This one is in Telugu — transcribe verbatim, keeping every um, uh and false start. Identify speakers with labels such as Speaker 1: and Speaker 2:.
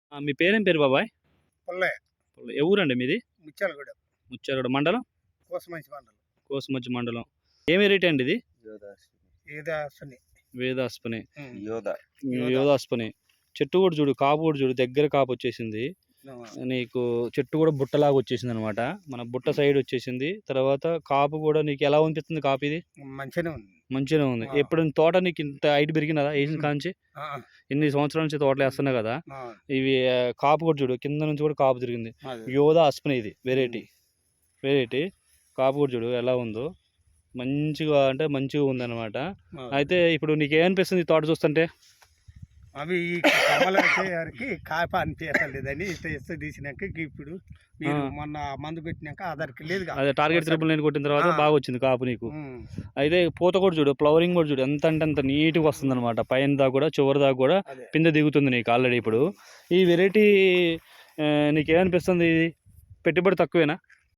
Speaker 1: ఆ! మీ పేరేం పేరు బాబాయ్?
Speaker 2: పుల్లయ్య.
Speaker 1: ఏ ఊరండి మీది?
Speaker 2: ముత్యాలగూడ.
Speaker 1: ముచ్చాలగూడ మండలం?
Speaker 2: కోసమంచి మండలం.
Speaker 1: కోసమచ్చి మండలం. ఏ వెరైటీ అండి ఇది?
Speaker 2: యోధాశ్విని.
Speaker 1: వేదాస్పని.
Speaker 2: హ్మ్.
Speaker 3: యోధ.
Speaker 2: యోధ.
Speaker 1: యోధాస్పని. చెట్టు కూడా చూడు, కాపు కూడా చూడు, దగ్గర కాపు వచ్చేసింది.
Speaker 2: ఆ!
Speaker 1: నీకు చెట్టు కూడా బుట్టలాగా వచ్చేసిందనమాట. మన బుట్ట సైడ్ వచ్చేసింది. తర్వాత కాపు కూడా నీకు ఎలా అనిపిస్తుంది కాపు ఇది?
Speaker 2: మంచిగానే ఉంది.
Speaker 1: మంచిగానే ఉంది.
Speaker 2: ఆ!
Speaker 1: ఎప్పుడైనా తోట నీకు ఇంత హైట్ పెరిగినదా ఏసిన కాంచి?
Speaker 2: ఆ!
Speaker 1: ఇన్ని సంవత్సరాల నుంచి తోటలు వేస్తున్నావు కదా!
Speaker 2: ఆ!
Speaker 1: ఇవి ఆహ్, కాపు కూడా చూడు, కింద నుంచి కూడా కాపు తిరిగింది.
Speaker 2: అదే.
Speaker 1: యోధా అస్పని ఇది వెరైటీ. వెరైటీ. కాపు కూడా చూడు ఎలా ఉందో. మంచిగా అంటే మంచిగా ఉందనమాట.
Speaker 2: ఆ!
Speaker 1: అయితే ఇప్పుడు నీకేమనిపిస్తుంది ఈ తోట చూస్తుంటే?
Speaker 2: అవి ఈ కమల వచ్చేసరికి కాప అనిపించలేదని టెస్ట్ తీసినాక ఇప్పుడు మీరు
Speaker 1: ఆ!
Speaker 2: మొన్న మందు పెట్టినాక ఆధార్కి లేదుగా.
Speaker 1: అదే టార్గెట్
Speaker 2: ఒకసారి.
Speaker 1: త్రిబుల్ నైన్ కొట్టిన తర్వాత
Speaker 2: ఆ!
Speaker 1: బాగా వచ్చింది కాపు నీకు.
Speaker 2: హ్మ్.
Speaker 1: అయితే పూత కూడా చూడు, ఫ్లవరింగ్ కూడా చూడు ఎంత అంటే అంత నీట్‌గా వస్తుందనమాట. పైన దాకా కూడా చివరి దాకా కూడా
Speaker 2: అదే.
Speaker 1: పిందె దిగుతుంది నీకు ఆల్రెడీ ఇప్పుడు. ఈ వెరైటీ ఆహ్, నీకేమనిపిస్తుంది ఇది? పెట్టుబడి తక్కువేనా?